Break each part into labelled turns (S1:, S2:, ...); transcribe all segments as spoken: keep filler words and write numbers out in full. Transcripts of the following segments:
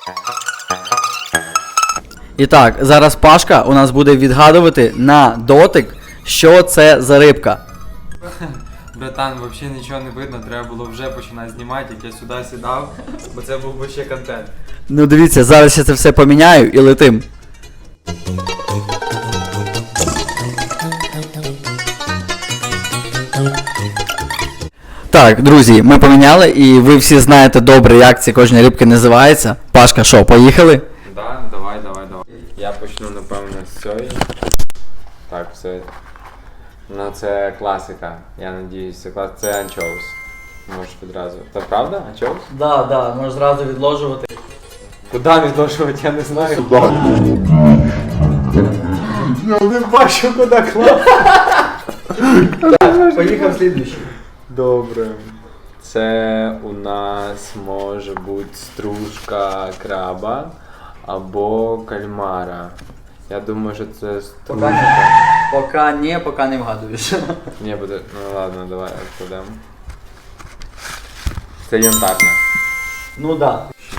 S1: І так, зараз Пашка у нас буде відгадувати на дотик, що це за рибка.
S2: Братан, взагалі нічого не видно, треба було вже починати знімати, як я сюди сідав, бо це був би ще контент.
S1: Ну дивіться, зараз я це все поміняю і летим. Так, друзі, ми поміняли і ви всі знаєте добре, як ці кожні рибки називаються. Пашка, що, поїхали?
S2: Да, давай, давай, давай. Я почну, напевно, з цієї. Так, все. Ну це класика. Я надіюсь, це клас. Це анчоус. Можеш відразу. Це правда? Анчоус?
S1: Да, да, можеш зразу відложувати.
S2: Куди відложувати, я не знаю. Я не бачу, куди класти.
S1: Поїхав слідуючий.
S2: Добре. Це у нас може бути стружка краба або кальмара. Я думаю, що це стружка.
S1: Поки не, поки не вгадуєш.
S2: Ні, буде. Ну ладно, давай відкладемо. Це янтарна.
S1: Ну да.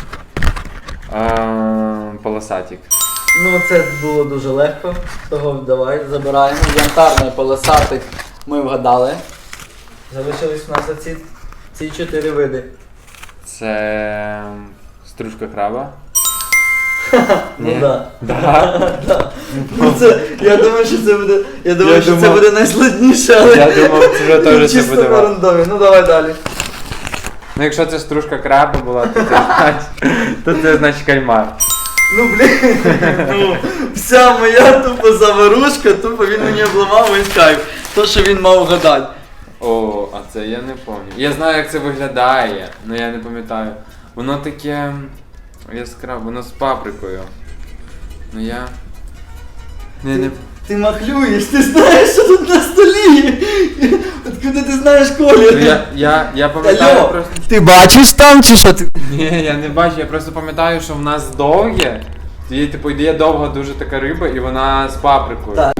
S2: А, полосатик.
S1: Ну це було дуже легко, того давай забираємо. Янтарний полосатик ми вгадали. Залишились у нас оці, ці чотири види.
S2: Це стружка краба.
S1: Ну
S2: Ні.
S1: да.
S2: Да?
S1: Да. Ну це, я думаю, що це буде, я думаю,
S2: Я
S1: що це
S2: думав-
S1: буде найскладніше, але
S2: Я думав, це вже теж це
S1: чисто
S2: буде
S1: на
S2: важко.
S1: рандомі. Ну давай далі.
S2: Ну якщо це стружка краба була, то це значить, то це значить кальмар.
S1: Ну блін, ну вся моя тупо заварушка, тупо він мені обламав весь кайф. То, що він мав вгадати.
S2: О, а це я не пам'ятаю. Я знаю, як це виглядає, але я не пам'ятаю. Воно таке яскраве, воно з паприкою. Ну я. Не, не.
S1: Ти махлюєш, ти знаєш, що тут на столі. Откуда ти знаєш
S2: Ну,
S1: колір?
S2: я, я, я пам'ятаю
S1: Алло,
S2: просто.
S1: ти бачиш там чи що ти?
S2: Ні, я не бачу, я просто пам'ятаю, що в нас довге. Є, типу, є довга дуже така риба і вона з паприкою.
S1: Так.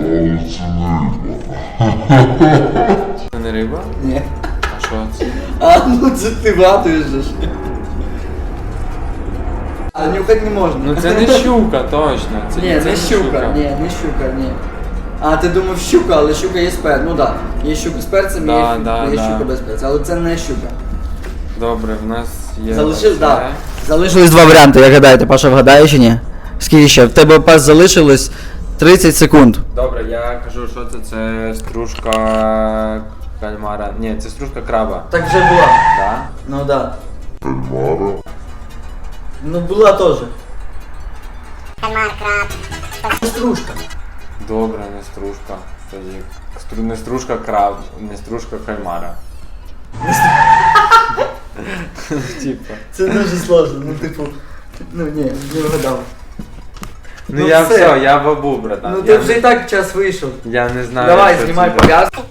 S2: Це не риба?
S1: Ні.
S2: А що це?
S1: А, ну це ти вгадуєш же ж. А нюхати не можна.
S2: Ну це не щука, точно. Це,
S1: Ні,
S2: це
S1: не щука, ні, не щука, ні. А, ти думав щука, але щука є з перцем. Ну так, да. Є щука з перцем,
S2: Да,
S1: є,
S2: да,
S1: є
S2: да.
S1: щука без перця, але це не щука.
S2: Добре, в нас є.
S1: Залишив,
S2: оце.
S1: так. Залишились два варіанти, як гадаєте, Паша вгадає чи ні? Скільки ще? В тебе, Паш, залишилось тридцять секунд.
S2: Добре, я кажу, що це, це стружка кальмара. Ні, це стружка краба.
S1: Так вже була.
S2: Да?
S1: Ну так. Да. Кальмара? Ну була теж.
S3: Кальмар, краб.
S1: Стружка.
S2: Добре, не стружка. Тоді стру- не стружка краб, не стружка кальмара. Типа.
S1: Це дуже сложно, ну типу. Ну ні, не вгадав.
S2: Ну,
S1: Ну,
S2: я
S1: все.
S2: все, я бабу, братан.
S1: Ну
S2: я
S1: ти
S2: не-
S1: вже і так час вийшов.
S2: Я не знаю.
S1: Давай,
S2: що
S1: знімай
S2: це.
S1: пов'язку.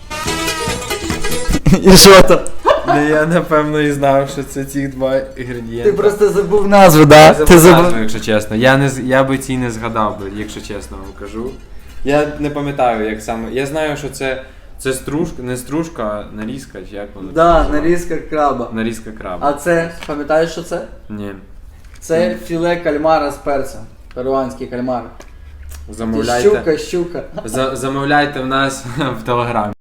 S1: І що там?
S2: Ну, я напевно і знав, що це ці два інгредієнти.
S1: Ти просто забув назву, да?
S2: Я
S1: Ти
S2: забув
S1: забув.
S2: назву, якщо чесно. Я, не, з- я би ці не згадав би, якщо чесно вам кажу. Я не пам'ятаю, як саме. Я знаю, що це, це стружка, не стружка, а нарізка, чи як воно?
S1: Да,
S2: називається?
S1: нарізка краба.
S2: Нарізка краба.
S1: А це, пам'ятаєш, що це?
S2: Ні.
S1: Це філе кальмара з перцем. Перуанський кальмар.
S2: Замовляйте.
S1: Щука, щука.
S2: За, замовляйте в нас в телеграмі.